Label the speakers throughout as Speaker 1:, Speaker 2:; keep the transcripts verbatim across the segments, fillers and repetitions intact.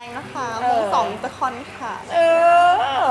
Speaker 1: นะคะวงสองตะคอนค่ะ
Speaker 2: เออ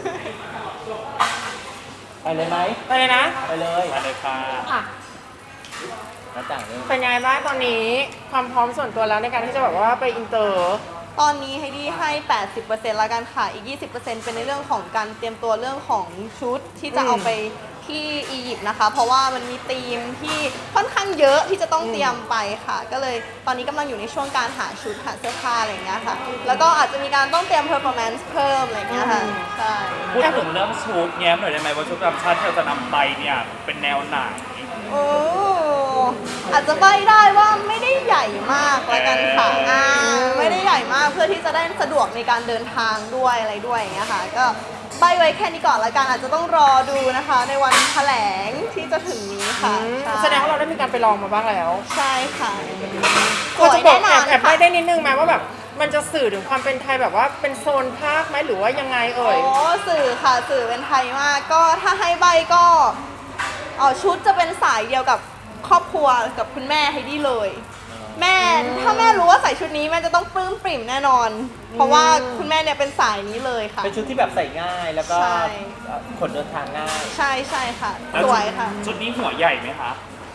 Speaker 3: ไปเลยไหม
Speaker 2: ไปเลยนะ
Speaker 3: ไปเลย
Speaker 4: ไปเลยค่ะ
Speaker 2: อ่ะ
Speaker 3: แล้วต่างเรื่อง
Speaker 2: เป็นไงบ้างตอนนี้ความพร้อมส่วนตัวแล้วในการที่จะแบบว่าไปอินเตอร์
Speaker 1: ตอนนี้ไฮดี้ให้ แปดสิบเปอร์เซ็นต์ ละกันค่ะ อีก ยี่สิบเปอร์เซ็นต์ เป็นในเรื่องของการเตรียมตัวเรื่องของชุดที่จะเอาไปที่อียิปต์นะคะ เพราะว่ามันมีธีมที่ค่อนข้างเยอะที่จะต้องเตรียมไปค่ะ ก็เลยตอนนี้กำลังอยู่ในช่วงการหาชุดหาเสื้อผ้าอะไรอย่างเงี้ยค่ะ แล้วก็อาจจะมีการต้องเตรียม performance เพิ่มอะไรอย่างเงี้ยค่ะ ใช่
Speaker 4: พูดถึงเรื่องชุดแง้มหน่อยได้ไหมว่าชุดประจำชาติที่เราจะนำไปเนี่ยเป็นแนวไหน
Speaker 1: โอ้อาจจะใบ้ได้ว่าไม่ได้ใหญ่มากละกันค่ะอ่าไม่ได้ใหญ่มากเพื่อที่จะได้สะดวกในการเดินทางด้วยอะไรด้วยอย่างเงี้ยค่ะก็ใบ้ไว้แค่นี้ก่อนละกันอาจจะต้องรอดูนะคะในวันแถลงที่จะถึงนี้ค่ะ
Speaker 2: แสดงว่าเราได้มีการไปลองมาบ้างแล้ว
Speaker 1: ใช่ค่ะ
Speaker 2: ก็จะบอกแอบแอบไปได้นิดนึงไหมว่าแบบมันจะสื่อถึงความเป็นไทยแบบว่าเป็นโซนภาคไหมหรือว่ายังไงเอ่ย
Speaker 1: โอ้สื่อค่ะสื่อเป็นไทยมากก็ถ้าให้ใบ้ก็อ๋อชุดจะเป็นสายเดียวกับครอบครัวกับคุณแม่ไฮดี้เลยแม่ถ้าแม่รู้ว่าใส่ชุดนี้แม่จะต้องปลื้มปริ่มแน่นอนเพราะว่าคุณแม่เนี่ยเป็นสายนี้เลยค่ะ
Speaker 3: เป็นชุดที่แบบใส่ง่ายแล้วก็ขนเดินทางง่าย
Speaker 1: ใช่ใช่ค่ะสวยค่ะ
Speaker 4: ชุดนี้หัวใหญ่ไหมคะ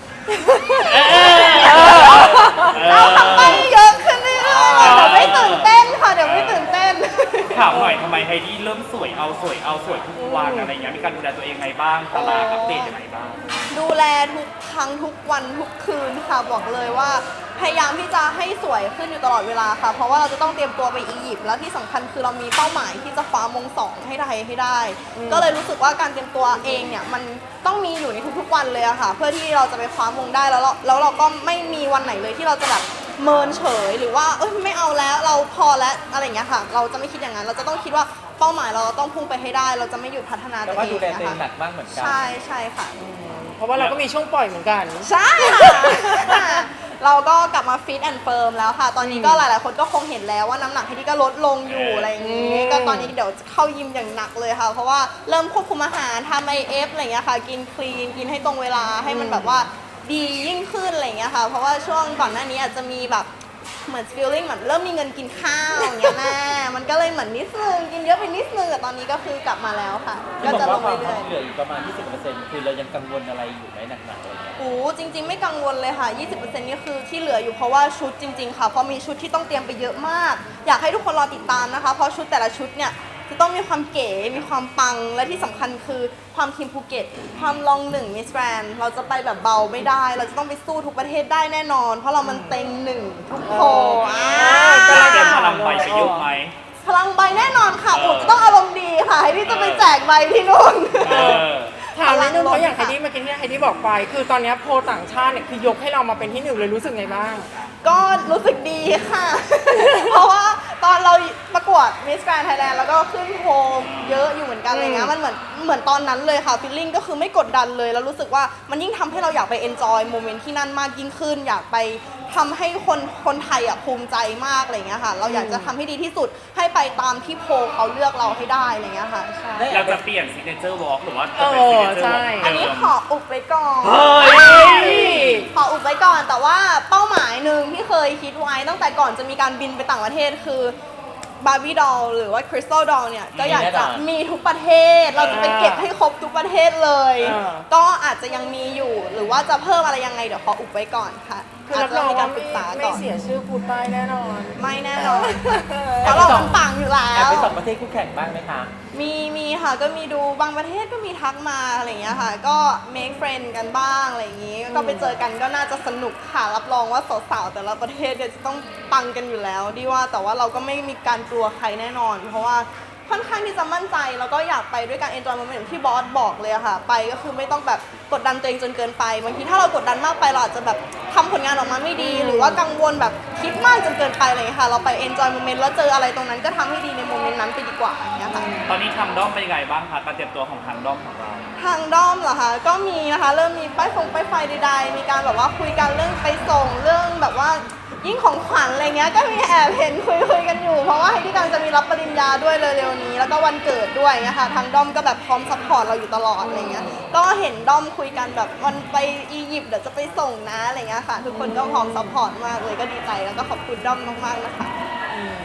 Speaker 1: เราทำไปเยอะขึ้นเรื่อยๆเดี๋ยวไม่ตื่นเต้นค่ะเดี๋ยวไม่ตื่นเต้น
Speaker 4: ถามหน่อยทำไมไฮดี้เริ่มสวยเอาสวยเอาสวยทุกวันอะไรอย่างเงี้ยมีการดูแลตัวเองไงบ้างตารางอัปเดตยังไงบ้าง
Speaker 1: ดูแลทุกครั้งทุกวันทุกคืนค่ะบอกเลยว่าพยายามที่จะให้สวยขึ้นอยู่ตลอดเวลาค่ะเพราะว่าเราจะต้องเตรียมตัวไปอียิปต์แล้วที่สำคัญคือเรามีเป้าหมายที่จะคว้ามงสองให้ไทยให้ได้ก็เลยรู้สึกว่าการเตรียมตัวเองเนี่ยมันต้องมีอยู่ในทุกๆวันเลยอะค่ะเพื่อที่เราจะไปคว้ามงได้แล้วแล้วเราก็ไม่มีวันไหนเลยที่เราจะแบบเมินเฉยหรือว่าเอ้ยไม่เอาแล้วเราพอแล้วอะไรอย่างเงี้ยค่ะเราจะไม่คิดอย่างนั้นเราจะต้องคิดว่าเป้าหมายเราต้องพุ่งไปให้ได้เราจะไม่หยุดพัฒนาตัวเอง
Speaker 3: แต่ว่าดูแลตัวเองหนักมากเหมือนกัน
Speaker 1: ใช่ใช่ค่ะ
Speaker 2: เพราะว่าเราก็มีช่วงปล่อยเหมือนกัน
Speaker 1: ใช่ค่ะเราก็กลับมาฟิตแอนด์เฟิร์มแล้วค่ะตอนนี้ก็หลายๆคนก็คงเห็นแล้วว่าน้ำหนักที่ก็ลดลงอยู่อะไรอย่างนี้ก็ตอนนี้เดี๋ยวเข้ายิมอย่างหนักเลยค่ะเพราะว่าเริ่มควบคุมอาหารทำไอเอฟอะไรอย่างเงี้ยค่ะกินคลีนกินให้ตรงเวลาให้มันแบบว่าดียิ่งขึ้นอะไรอย่างเงี้ยค่ะเพราะว่าช่วงก่อนหน้านี้อาจจะมีแบบเหมือน feeling เหมือนเริ่มมีเงินกินข้าวอย่างเงี้ยแม่มันก็เลยเหมือนนิดนึงกินเยอะไปนิดนึงแต่ตอนนี้ก็คือกลับมาแล้วค่ะ
Speaker 3: ก็จะลงเรื่อยๆเหลืออีกประมาณ ยี่สิบเปอร์เซ็นต์ คือเรายังกังวลอะไรอยู่ไหมหนักๆอะไรเงี้ย
Speaker 1: โอ้จริงๆไม่กังวลเลยค่ะ ยี่สิบเปอร์เซ็นต์ นี่คือที่เหลืออยู่เพราะว่าชุดจริงๆค่ะเพราะมีชุดที่ต้องเตรียมไปเยอะมากอยากให้ทุกคนรอติดตามนะคะเพราะชุดแต่ละชุดเนี่ยจะต้องมีความเก๋มีความปังและที่สำคัญคือความทีมภูเก็ตความลองหนึ่งมิสแกรนด์เราจะไปแบบเบาไม่ได้เราจะต้องไปสู้ทุกประเทศได้แน่นอนเพราะเรามันเต็งหนึ่งทุกโพอ่า
Speaker 4: จะเตรียมพลังใบไปเยอะไหม
Speaker 1: พลังใบแน่นอนค่ะโอ้จะต้องอารมณ์ดีค่ะที่จะไปแจกใบที่นู่น
Speaker 2: ถามนิดนึงเพราะอย่างไฮดี้เมื่อกี้ที่ไฮดี้บอกไปคือตอนนี้โพลต่างชาติเนี่ยคือยกให้เรามาเป็นที่หนึ่งเลยรู้สึกไงบ้าง
Speaker 1: ก็รู้สึกดีค่ะ เพราะว่าตอนเราประกวด Miss Grand Thailand แล้วก็ขึ้นโฮมเยอะอยู่เหมือนกันอะไรเงี้ยมันเหมือนเหมือนตอนนั้นเลยค่ะฟีลลิ่งก็คือไม่กดดันเลยแล้วรู้สึกว่ามันยิ่งทำให้เราอยากไป enjoy โมเมนต์ที่นั่นมากยิ่งขึ้นอยากไปทำให้คนคนไทยอ่ะภูมิใจมากอะไรเงี้ยค่ะเราอยากจะทำให้ดีที่สุดให้ไปตามที่โพลเขาเลือกเราให้ได้อะไรเงี้ยค่ะใช่
Speaker 4: เราจะเปลี่ยน signature walk หรือว่าจะเป็น signature walk
Speaker 1: อันนี้ขออุบไว้ก่อนขออุบไว้ก่อนแต่ว่าเป้าหมายหนึ่งที่เคยคิดไว้ตั้งแต่ก่อนจะมีการบินไปต่างประเทศคือบาร์บี้ดอลหรือว่าคริสตัลดอลเนี่ยก็อยากจะมีทุกประเทศเราจะไปเก็บให้ครบทุกประเทศเลยก็อาจจะยังมีอยู่หรือว่าจะเพิ่มอะไรยังไงเดี๋ยวขออุบไว้ก่อนค่ะ
Speaker 2: คือรับรองว่าไม่เสียชื่อพูดไปแน่นอน
Speaker 1: ไม่แน่นอนเพราะเรามันปังอยู่แล้ว
Speaker 3: ไปสองประเทศคู่แข่งบ้างไหมคะ
Speaker 1: มีมีค่ะก็มีดูบางประเทศก็มีทักมาอะไรอย่างเงี้ยค่ะก็ make friend กันบ้างอะไรอย่างงี้ก็ไปเจอกันก็น่าจะสนุกค่ะรับรองว่าสาวๆแต่ละประเทศเนี่ยจะต้องปังกันอยู่แล้วดีว่าแต่ว่าเราก็ไม่มีการกลัวใครแน่นอนเพราะว่าค่อนข้างที่จะมั่นใจแล้วก็อยากไปด้วยการ enjoy moment ที่บอสบอกเลยค่ะไปก็คือไม่ต้องแบบกดดันตัวเองจนเกินไปบางทีถ้าเรากดดันมากไปเราอาจจะแบบทำผลงานออกมาไม่ดีหรือว่ากังวลแบบคิดมากจนเกินไปอะไรอย่างเงี้ยค่ะเราไป enjoy moment แล้วเจออะไรตรงนั้นก็ทำให้ดีในโมเมนต์นั้นไปดีกว่าอย่างเงี้ยค่ะ
Speaker 4: ตอนนี้ทางด้อมเป็นยังไงบ้างคะการเตรียมตัวของทางด้อมของเรา
Speaker 1: ทางด้อมเหรอคะก็มีนะคะเริ่มมีป้ายฟงป้ายไฟใดๆมีการแบบว่าคุยกันเรื่องไปส่งเรื่องแบบว่ายิ่งของขวัญอะไรเงี้ยก็มีแอบเห็นคุยคุยกันอยู่เพราะว่าไฮดี้กำลังจะมีรับปริญญาด้วยเร็วๆนี้แล้วก็วันเกิดด้วยนะคะทางด้อมก็แบบพร้อมซัพพอร์ตเราอยู่ตลอดอะไรเงี้ยก็เห็นด้อมคุยกันแบบวันไปอียิปต์เดี๋ยวจะไปส่งนะอะไรเงี้ยค่ะทุกคนก็พร้อมซัพพอร์ตมากเลยก็ดีใจแล้วก็ขอบคุณด้อมมากๆนะคะ
Speaker 2: แ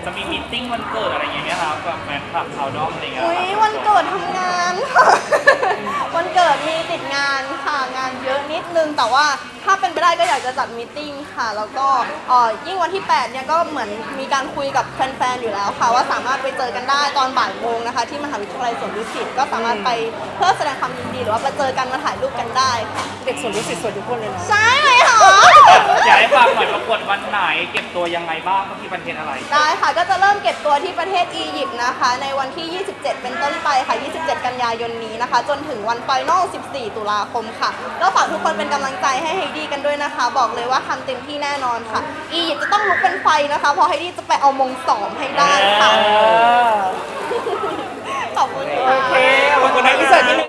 Speaker 4: จะมีมีตติ้งวันเกิดอะไรอย่างเงี้ยครับกับแฟนคลับชาวด้อมอะไรเงี้ย
Speaker 1: อุ้ยวันเกิดทำงานค่ะ วันเกิดมีติดงานค่ะงานเยอะนิดนึงแต่ว่าถ้าเป็นไปได้ก็อยากจะจัดมีตติ้งค่ะ แล้วก็เอ่อยิ่งวันที่แปดเนี่ยก็เหมือนมีการคุยกับแฟนๆอยู่แล้วค่ะ ว่าสามารถไปเจอกันได้ตอนบ่ายโมงนะคะ ที่มหาวิทยาลัยสวนดุสิตก็สามารถไปเพื่อแสดงความยินดีหรือว่าไปเจอกันมาถ่ายรูปกันได้ค่ะ
Speaker 2: เด็กสวนดุสิตสวยทุกคนเลยเนาะ
Speaker 1: ใช่ไหมคะ
Speaker 4: อยากให้ฟังหน่อยประกวดวันไหนเก็บตัวยังไงบ้างที่ประเทศอะไร
Speaker 1: ได้ค่ะ ก็จะเริ่มเก็บตัวที่ประเทศอียิปต์นะคะ ในวันที่ ยี่สิบเจ็ด เป็นต้นไปค่ะ ยี่สิบเจ็ด กันยายนนี้นะคะ จนถึงวันไฟนอล สิบสี่ ตุลาคมค่ะแล้วฝากทุกคนเป็นกำลังใจให้ไฮดี้กันด้วยนะคะ บอกเลยว่าทำเต็มที่แน่นอนค่ะ อียิปต์จะต้องลุกเป็นไฟนะคะ เพราะไฮดี้จะไปเอามงสองให้ได้ค่ะ
Speaker 2: เออ
Speaker 1: ขอบคุณค่ะ
Speaker 2: โอเคขอบคุณนะอินเสิร์ตนิดนึง